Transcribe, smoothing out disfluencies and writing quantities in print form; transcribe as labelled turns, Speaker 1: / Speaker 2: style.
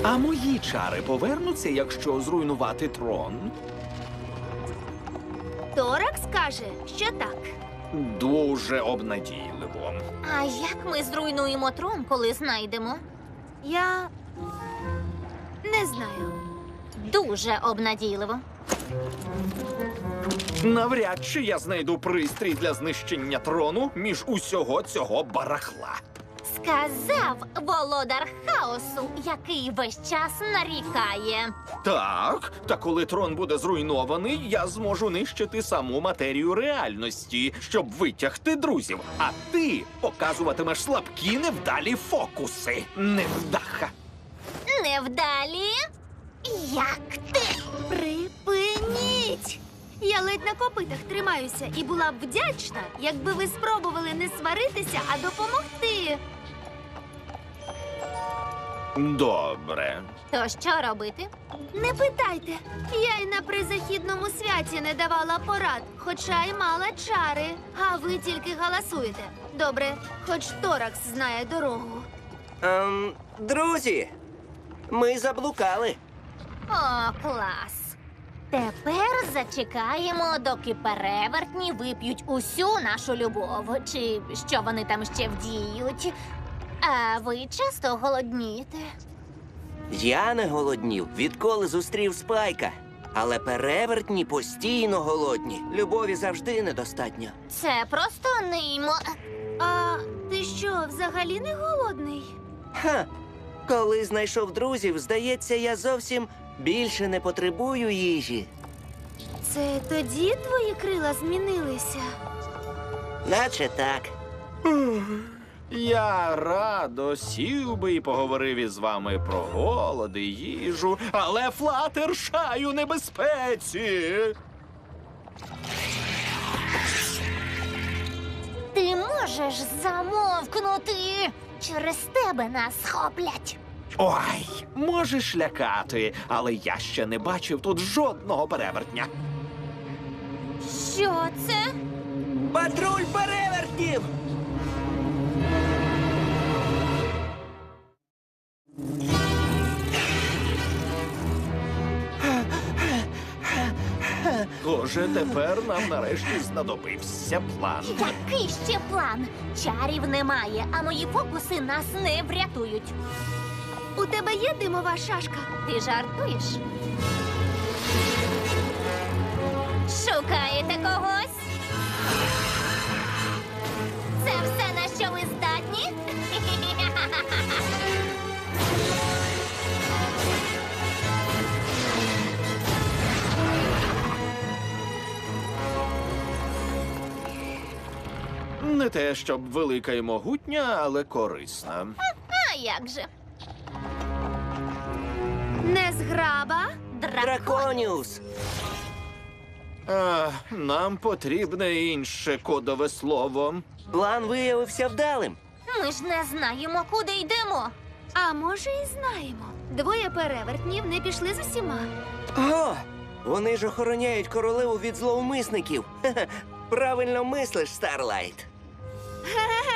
Speaker 1: А мої чари повернуться, якщо зруйнувати трон?
Speaker 2: Торакс каже, що так.
Speaker 1: Дуже обнадійливо.
Speaker 3: А як ми зруйнуємо трон, коли знайдемо?
Speaker 2: Я не знаю.
Speaker 3: Дуже обнадійливо.
Speaker 1: Навряд чи я знайду пристрій для знищення трону між усього цього барахла.
Speaker 3: Сказав володар хаосу, який весь час нарікає.
Speaker 1: Так, та коли трон буде зруйнований, я зможу нищити саму матерію реальності, щоб витягти друзів. А ти показуватимеш слабкі невдалі фокуси. Невдаха.
Speaker 3: Невдалі? Як ти?
Speaker 2: Припиніть! Я ледь на копитах тримаюся і була б вдячна, якби ви спробували не сваритися, а допомогти.
Speaker 1: Добре.
Speaker 3: То що робити?
Speaker 2: Не питайте. Я й на призахідному святі не давала порад, хоча й мала чари. А ви тільки галасуєте. Добре, хоч Торакс знає дорогу.
Speaker 4: Друзі, ми заблукали.
Speaker 3: О, клас! Тепер зачекаємо, доки перевертні вип'ють усю нашу любов. Чи що вони там ще вдіють. А ви часто голоднієте?
Speaker 4: Я не голоднів, відколи зустрів Спайка. Але перевертні постійно голодні. Любові завжди недостатньо.
Speaker 3: Це просто
Speaker 2: А ти що, взагалі не голодний?
Speaker 4: Ха! Коли знайшов друзів, здається, я зовсім більше не потребую їжі.
Speaker 2: Це тоді твої крила змінилися?
Speaker 4: Наче так.
Speaker 1: Я радо сів би і поговорив із вами про голод і їжу, але Флатершай у небезпеці.
Speaker 3: Ти можеш замовкнути? Через тебе нас схоплять.
Speaker 1: Ой, можеш лякати, але я ще не бачив тут жодного перевертня.
Speaker 3: Що це?
Speaker 4: Патруль перевертнів!
Speaker 1: Отже, тепер нам нарешті знадобився план.
Speaker 3: Який ще план? Чарів немає, а мої фокуси нас не врятують.
Speaker 2: У тебе є димова шашка?
Speaker 3: Ти жартуєш? Шукаєте когось? Це все, на що ви здатні?
Speaker 1: Не те, щоб велика і могутня, але корисна.
Speaker 3: А як же?
Speaker 2: Незграба?
Speaker 4: Драконіус!
Speaker 1: Нам потрібне інше кодове слово.
Speaker 4: План виявився вдалим.
Speaker 3: Ми ж не знаємо, куди йдемо.
Speaker 2: А може, і знаємо. Двоє перевертнів не пішли з усіма.
Speaker 4: О! Вони ж охороняють королеву від зловмисників. Хе-хе. Правильно мислиш, Старлайт.